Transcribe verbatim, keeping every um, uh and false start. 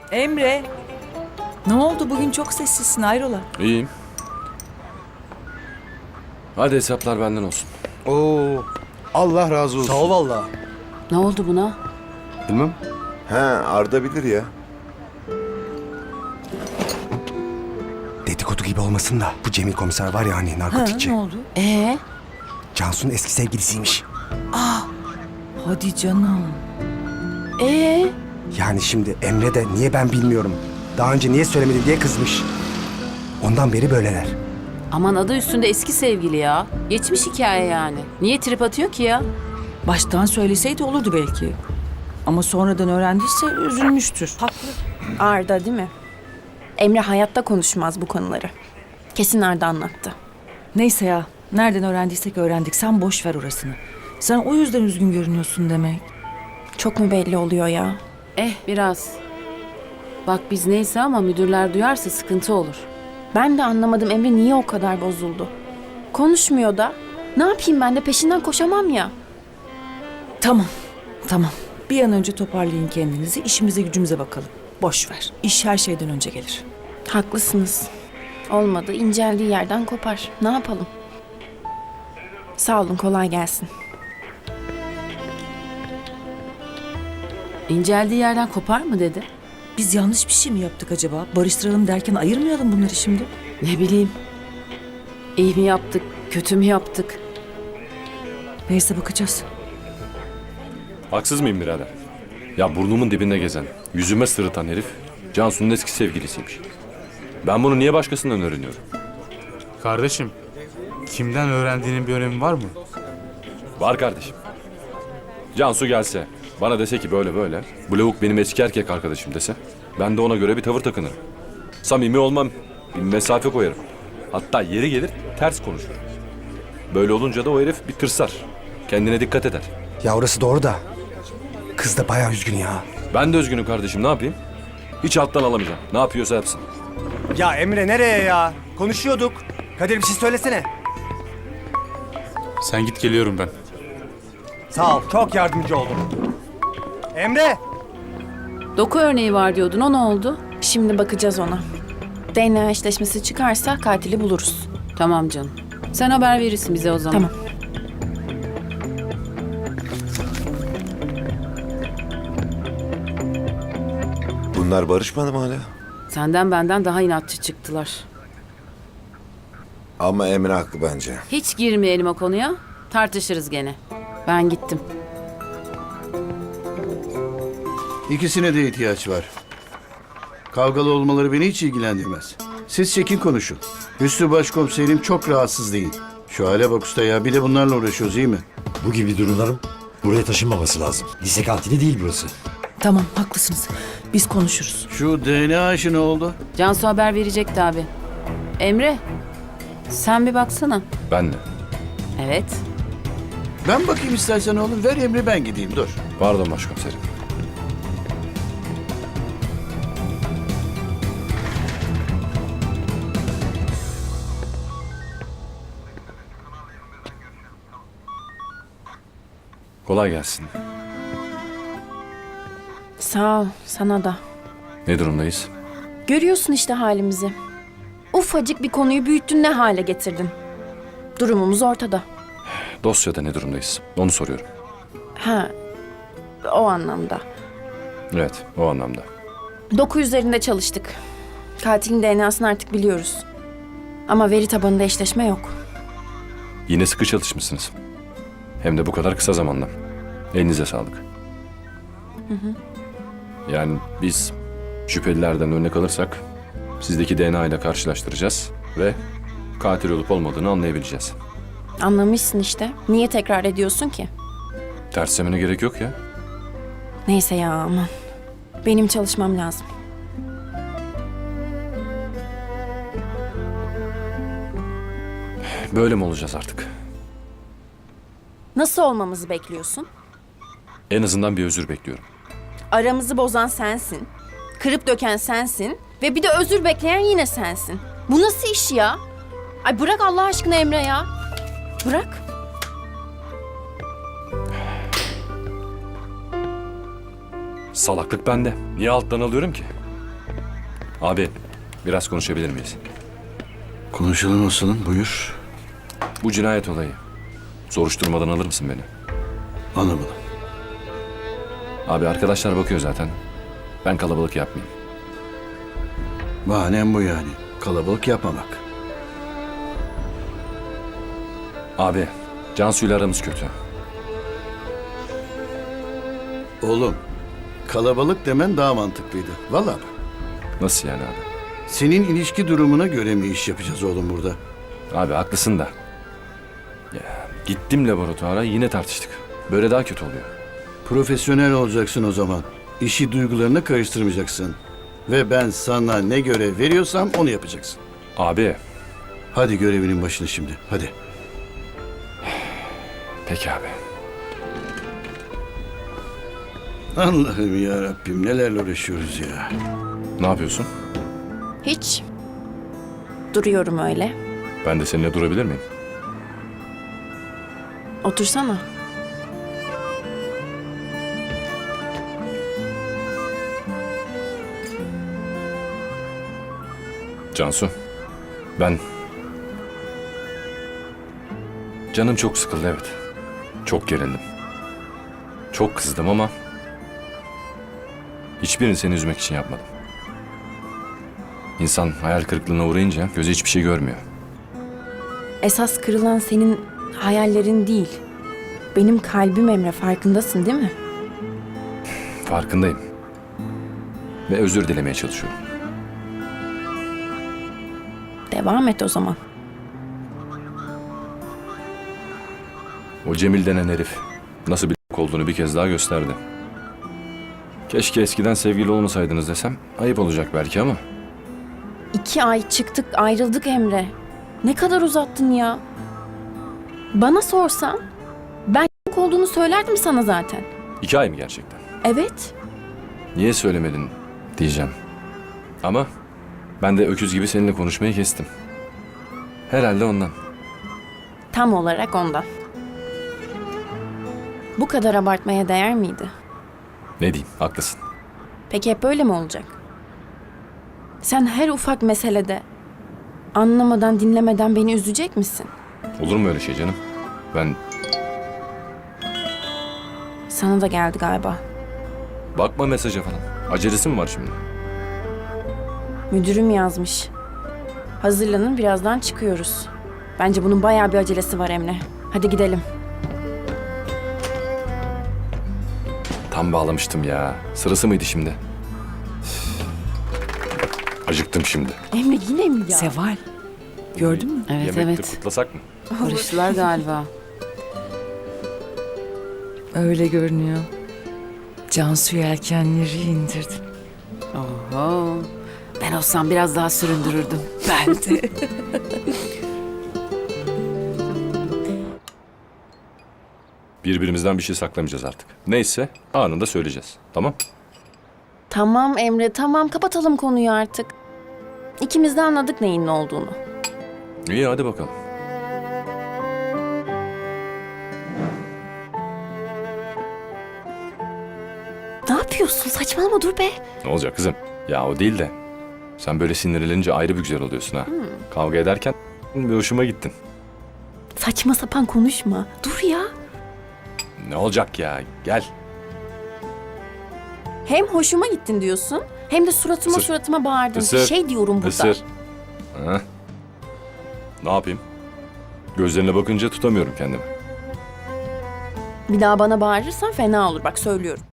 Emre. Ne oldu bugün çok sessizsin hayrola? İyiyim. Hadi hesaplar benden olsun. Oo, Allah razı olsun. Sağ ol valla. Ne oldu buna? Bilmem. He, Arda bilir ya. Dedikodu gibi olmasın da bu Cemil komiser var ya hani Ha, narkotikçi. ne oldu? Ee, Cansu'nun eski sevgilisiymiş. Hadi canım. ee, Yani şimdi Emre de niye ben bilmiyorum. Daha önce niye söylemedin diye kızmış. Ondan beri böyleler. aman adı üstünde eski sevgili ya. Geçmiş hikaye yani. Niye trip atıyor ki ya? Baştan söyleseydi olurdu belki. Ama sonradan öğrendiyse üzülmüştür. Haklı. Arda değil mi? Emre hayatta konuşmaz bu konuları. Kesin Arda anlattı. Neyse ya. Nereden öğrendiysek öğrendik. Sen boş ver orasını. Sen o yüzden üzgün görünüyorsun demek. Çok mu belli oluyor ya? Eh biraz. Bak biz neyse ama müdürler duyarsa sıkıntı olur. Ben de anlamadım Emre niye o kadar bozuldu. Konuşmuyor da. Ne yapayım ben de peşinden koşamam ya. Tamam. Tamam. Bir an önce toparlayın kendinizi. İşimize gücümüze bakalım. Boş ver. İş her şeyden önce gelir. Haklısınız. Olmadı inceldiği yerden kopar. Ne yapalım? Sağ olun kolay gelsin. İnceldiği yerden kopar mı dedi? Biz yanlış bir şey mi yaptık acaba? Barıştıralım derken ayırmayalım bunları şimdi. Ne bileyim. İyi mi yaptık, kötü mü yaptık? Neyse bakacağız. Haksız mıyım birader? Ya burnumun dibinde gezen, yüzüme sırıtan herif Cansu'nun eski sevgilisiymiş. Ben bunu niye başkasından öğreniyorum? Kardeşim, kimden öğrendiğinin bir önemi var mı? Var kardeşim. Cansu gelse, bana dese ki böyle böyle, bu lavuk benim eski erkek arkadaşım dese, ben de ona göre bir tavır takınırım. Samimi olmam, bir mesafe koyarım. Hatta yeri gelir ters konuşurum. Böyle olunca da o herif bir tırsar. Kendine dikkat eder. Ya orası doğru da. Kız da bayağı üzgün ya. Ben de üzgünüm kardeşim, ne yapayım? Hiç alttan alamayacağım. Ne yapıyorsa yapsın. Ya Emre nereye ya? Konuşuyorduk. Kadir bir şey söylesene. Sen git geliyorum ben. Sağ ol. Çok yardımcı oldun. Emre! Doku örneği var diyordun, o ne oldu? Şimdi bakacağız ona. D N A eşleşmesi çıkarsa katili buluruz. Tamam canım. Sen haber verirsin bize o zaman. Tamam. Bunlar barışmadı mı hala? Senden benden daha inatçı çıktılar. Ama Emre haklı bence. Hiç girmeyelim o konuya. Tartışırız gene. Ben gittim. İkisine de ihtiyaç var. Kavgalı olmaları beni hiç ilgilendirmez. Siz çekin konuşun. Hüsnü Başkomiserim çok rahatsız değil. Şu hale bak usta ya, bir de bunlarla uğraşıyoruz iyi mi? Bu gibi durumların buraya taşınmaması lazım. Lise kantini değil burası. Tamam haklısınız. Biz konuşuruz. Şu D N A işi ne oldu? Cansu haber verecekti abi. Emre, sen bir baksana. Ben de. Evet. Ben bakayım istersen oğlum, ver emri ben gideyim dur. Pardon başkomiserim. Kolay gelsin. Sağ ol sana da. Ne durumdayız? Görüyorsun işte halimizi. Ufacık bir konuyu büyüttün ne hale getirdin. Durumumuz ortada. Dosyada ne durumdayız? Onu soruyorum. Ha, o anlamda. Evet, o anlamda. Doku üzerinde çalıştık. Katilin D N A'sını artık biliyoruz. Ama veri tabanında eşleşme yok. Yine sıkı çalışmışsınız. Hem de bu kadar kısa zamanda. Elinize sağlık. Hı hı. Yani biz şüphelilerden örnek alırsak sizdeki D N A ile karşılaştıracağız ve katil olup olmadığını anlayabileceğiz. Anlamışsın işte. Niye tekrar ediyorsun ki? Terslemene gerek yok ya. Neyse ya aman. Benim çalışmam lazım. Böyle mi olacağız artık? Nasıl olmamızı bekliyorsun? En azından bir özür bekliyorum. Aramızı bozan sensin. Kırıp döken sensin. Ve bir de özür bekleyen yine sensin. Bu nasıl iş ya? Ay bırak Allah aşkına Emre ya. Bırak. Salaklık bende. Niye alttan alıyorum ki? Abi biraz konuşabilir miyiz? Konuşalım aslanım, buyur. Bu cinayet olayı. Soruşturmadan alır mısın beni? Anlamadım. Abi arkadaşlar bakıyor zaten. Ben kalabalık yapmayayım. Bahanem bu yani. Kalabalık yapmamak. Abi Cansu'yla aramız kötü. Oğlum, kalabalık demen daha mantıklıydı. Vallahi bak. Nasıl yani abi? Senin ilişki durumuna göre mi iş yapacağız oğlum burada? Abi haklısın da. Ya, gittim laboratuvara yine tartıştık. Böyle daha kötü oluyor. Profesyonel olacaksın o zaman. İşi duygularına karıştırmayacaksın. Ve ben sana ne görev veriyorsam onu yapacaksın. Abi. Hadi görevinin başına şimdi, hadi. Peki abi. Allah'ım ya Rabbim, nelerle uğraşıyoruz ya. Ne yapıyorsun? Hiç. Duruyorum öyle. Ben de seninle durabilir miyim? Otursana. Cansu. Ben... Canım çok sıkıldı evet. Çok gerildim. Çok kızdım ama... Hiçbirini seni üzmek için yapmadım. İnsan hayal kırıklığına uğrayınca gözü hiçbir şey görmüyor. Esas kırılan senin hayallerin değil. Benim kalbim Emre, farkındasın değil mi? Farkındayım. Ve özür dilemeye çalışıyorum. Devam et o zaman. O Cemil denen herif nasıl bir olduğunu bir kez daha gösterdi. Keşke eskiden sevgili olmasaydınız desem ayıp olacak belki ama... İki ay çıktık ayrıldık Emre. Ne kadar uzattın ya. Bana sorsan ben olduğunu söylerdim sana zaten. iki ay mı gerçekten? Evet. Niye söylemedin diyeceğim. Ama ben de öküz gibi seninle konuşmayı kestim. Herhalde ondan. Tam olarak ondan. Bu kadar abartmaya değer miydi? Ne diyeyim, haklısın. Peki hep böyle mi olacak? Sen her ufak meselede anlamadan dinlemeden beni üzecek misin? Olur mu öyle şey canım? Ben Sana da geldi galiba. bakma mesaja falan. Acelesi mi var şimdi? Müdürüm yazmış. Hazırlanın, birazdan çıkıyoruz. Bence bunun bayağı bir acelesi var Emre. Hadi gidelim. Tam bağlamıştım ya. Sırası mıydı şimdi? Üf. Acıktım şimdi. Emre yine mi ya? Seval. Gördün mü? Evet Yemekte evet. kutlasak mı? Barıştılar galiba. Öyle görünüyor. Cansu yelkenleri indirdim. Oho. Ben olsam biraz daha süründürürdüm. Ben de. Birbirimizden bir şey saklamayacağız artık. Neyse anında söyleyeceğiz. Tamam? Tamam Emre, tamam. Kapatalım konuyu artık. İkimiz de anladık neyin ne olduğunu. İyi hadi bakalım. Ne yapıyorsun? Saçmalama, dur be. Ne olacak kızım? Ya o değil de. Sen böyle sinirlenince ayrı bir güzel oluyorsun ha. Kavga ederken bir hoşuma gittin. Saçma sapan konuşma. Dur ya. Ne olacak ya? Gel. Hem hoşuma gittin diyorsun, hem de suratıma Isır. suratıma bağırdın. Isır. Şey diyorum burada. Isır. Ha? Ne yapayım? Gözlerine bakınca tutamıyorum kendimi. Bir daha bana bağırırsan fena olur, bak söylüyorum.